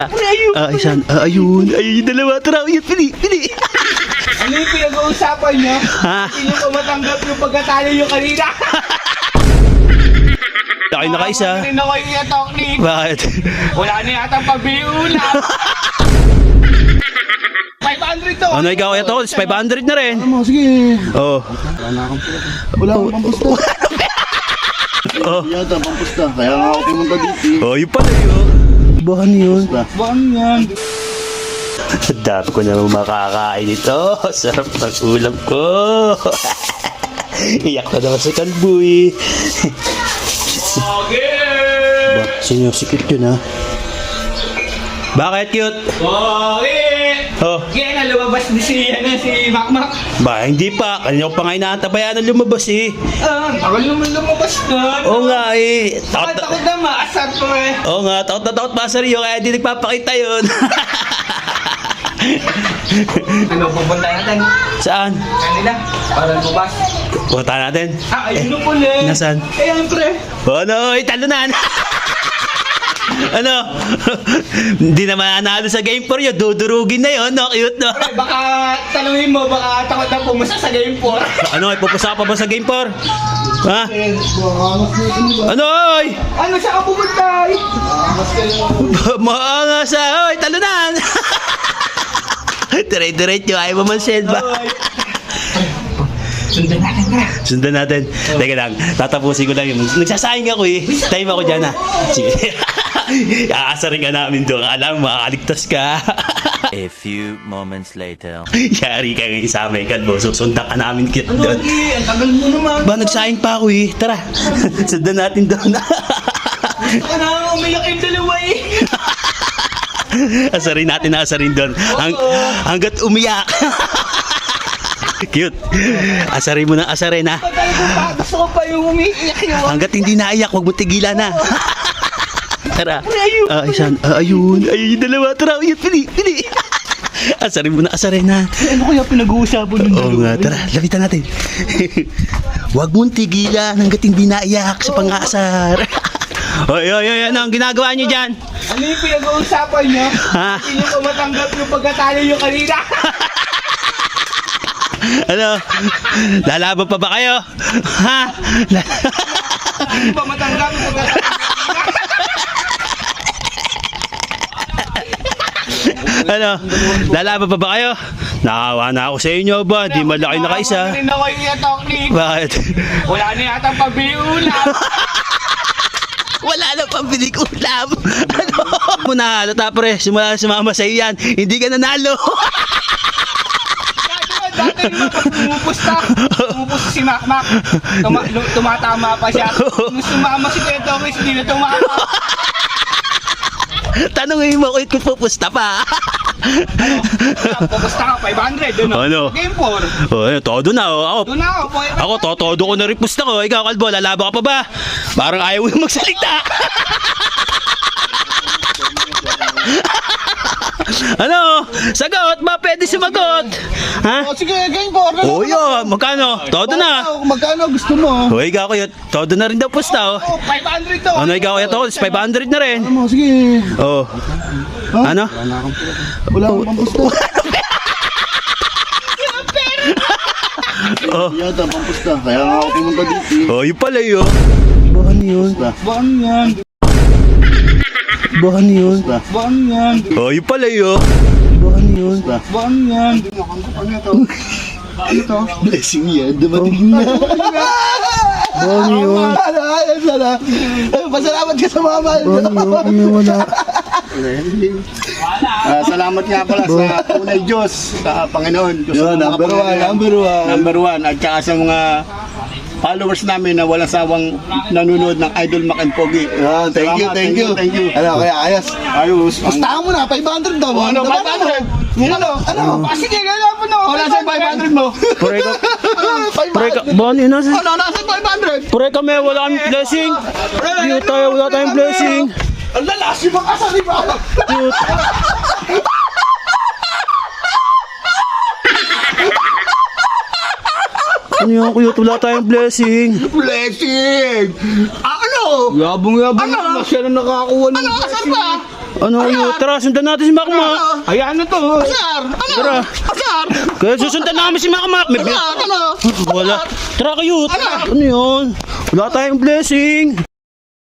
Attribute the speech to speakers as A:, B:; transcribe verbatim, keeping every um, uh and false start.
A: Ayun.
B: Ah, isan. Ah, ayun. Ayun yung dalawa. Tara, yun. Pili, pili.
A: Ano yung pinag-uusapan niyo?
B: Ha?
A: Hindi niyo pa matanggap yung pagkatalo yung kanina.
B: Ay, nakaisa.
A: Hindi na ko yung atoknik.
B: Bakit?
A: Wala na yata pabili ulam. five hundred to.
B: Ano ikaw? Ito, five hundred na rin.
C: Ano, sige.
B: Oh.
C: Wala akong pampusta.
B: Oh.
C: Yata, pampusta. Kaya nga ako pumunta dito eh.
B: Oh, yun pala yun. Bahan yun.
A: Bang yan.
B: Dami ko na makakain ito. Sarap ng ulam ko. Iyak na naman si Kalboy.
A: Okay.
B: Ba, sino si cute yun ha? Bakit cute?
A: Okay.
B: Oh.
A: Kaya na lumabas ni si, ano, si Makmak.
B: Ba, hindi pa. Kanina ko pa nga inaantabayan na lumabas eh.
A: Ah, takot naman lumabas na.
B: Oo nga eh.
A: Takot
B: Takot
A: takot na maasar to eh.
B: Oo nga, takot na takot pa sa Rio kaya di nagpapakita yun.
A: Ano, pupunta natin?
B: Saan?
A: Kanila, para lumabas.
B: Punta natin.
A: Ah, ayun na pala.
B: Nasaan?
A: Ayan, pre.
B: Oh no, talunan. Ano? Hindi naman nanalo sa game four yun. Dudurugin na yun, no? Cute, no?
A: Pre, baka tanungin mo, baka takot na pumasa sa game four.
B: Ano, ipupusa pa ba sa game four? Ha?
C: Eh, buwangas na ito ba?
B: Ano, oy?
A: Ano, siya ka pupunta? eh?
C: Buwangas kayo.
B: Maangas sa, oy, talunan. Dire-diretso, ayaw mo man-send ba?
A: Sundan natin, pre.
B: Sundan natin. Teka lang, tatapusin ko lang yun. Nagsasayang ako eh. Time ako dyan ha. Sige. Aasarin ka namin doon. Alam, makakaligtas ka.
D: A few moments later.
B: Yari ka ngayon sa amin, Kalbo. Susundan ka namin kit
A: Ano,
B: doon.
A: eh, ang tagal mo naman.
B: Ba, nagsayang pa ako eh. Tara, sundan natin doon.
A: Gusto ka na umiyak yung dalawa eh.
B: Asarin natin na asarin doon. Hang, hanggat umiyak. Cute. Asarin mo ng asarin ha.
A: Patay ko pa, gusto ko pa yung umiiyak yun.
B: Hanggat hindi naiyak, huwag mo tigilan na. Tara. Ah, isan. Ah, ayun. Ayun yung dalawa. Tara, yun. Pili, pili. Asarin mo na asarin ha.
A: Ano kaya pinag-uusapan ng
B: Oo nga, tara, lapitan natin. Huwag mong tigilan hanggat hindi naiyak sa pang-aasar. Oy, oy, oy, ano ang ginagawa niyo dyan?
A: Ano yung pinag-uusapan niyo?
B: Ha?
A: Hindi niyo pa matanggap yung pagkatalo yung kanina.
B: Ano? Lalaban pa ba kayo? Ha? La-
A: Hindi pa matanggap yung pagkatalo.
B: ano? Lalaban pa ba kayo? Nakawa na ako sa inyo ba? Di malaki na kaisa.
A: Hindi na ko yung atoknik.
B: Bakit?
A: Wala na yata pabili ulam.
B: Wala na pambiling ulam. Ano? Muna, halata pre, simula na sumama sa iyan. Hindi ka nanalo.
A: Dati naman pag pumupusta, pumupusta si Makmak. Tuma, lu- tumatama pa siya. Nung sumama si Kuya Tokis, hindi na tumama.
B: Tanungin mo kung kung pupusta pa.
A: Ano? Pupusta ka, five hundred. Ano?
B: Ano?
A: Game four.
B: Oh, eh, todo na oh. Ako,
A: Doon na ako. five hundred.
B: ako totodo ko na rin pusta ko. Ikaw, Kalbo, lalaba ka pa ba? Parang ayaw yung magsalita. Ano? Sagot ba? Pwede sumagot. Ha?
C: Oh, sige, game four.
B: Oh, yun. Magkano? Todo na.
C: Magkano gusto mo?
B: Oh, ikaw kayo. Todo na rin daw pusta oh.
A: Oh, five hundred to.
B: Ano ikaw kaya to? five hundred na rin.
C: Ano, sige.
B: Oh. Ano?
C: Wala akong pampusta.
B: Oh.
C: Yata, pampusta. Kaya nga ako pumunta dito eh.
B: Oh, yun pala yun. Bahan yun.
A: Bang yan.
B: Bahan yun.
A: Bang yan.
B: Oh, yun pala yun. Bahan yun.
A: Bang yan.
C: Ano to? Ano to? Blessing yan. Dumating na.
B: Bahan yun.
C: Ay, sana. Ay, pasalamat ka sa mama.
B: Bahan yun. Wala.
C: Ah, salamat nga pala sa tunay Diyos, sa Panginoon. Diyos
B: Yun,
C: ng mga
B: number one,
C: Panginoon.
B: number one.
C: Number one. At saka sa mga followers namin na walang sawang nanonood ng Idol Mac and Pogi.
B: Ah, thank you,
C: Salamat,
B: thank you.
C: Thank you.
B: Ano, kaya ayos.
C: Ayos.
B: Pustahan mo na, five hundred daw.
C: Ano, five hundred? Ano? Ano?
A: Ah, sige, gano'n po na.
C: Wala sa five hundred mo.
B: Pare ka. Pare ka. Bahan yun nasa.
C: Ano? Nasa five hundred?
B: Pare kami, wala kami blessing. Hindi tayo, wala tayong blessing.
C: Ang lalas yung mga kasali ba?
B: Cute. Ano yung cute? Wala tayong blessing.
C: Blessing! Ah, ano?
A: Yabong-yabong
C: Ano?
A: na siya na nakakuha ng
C: Ano? Asan ba?
B: Ano yun? Tara, sundan natin si Makmak.
A: Ayan na to.
C: Asar! Ano?
B: Tara.
C: Asar!
B: Kaya susundan namin si Makmak. May
C: Asar! Ano?
B: Wala. Tara kayo. Ano yun? Wala tayong blessing.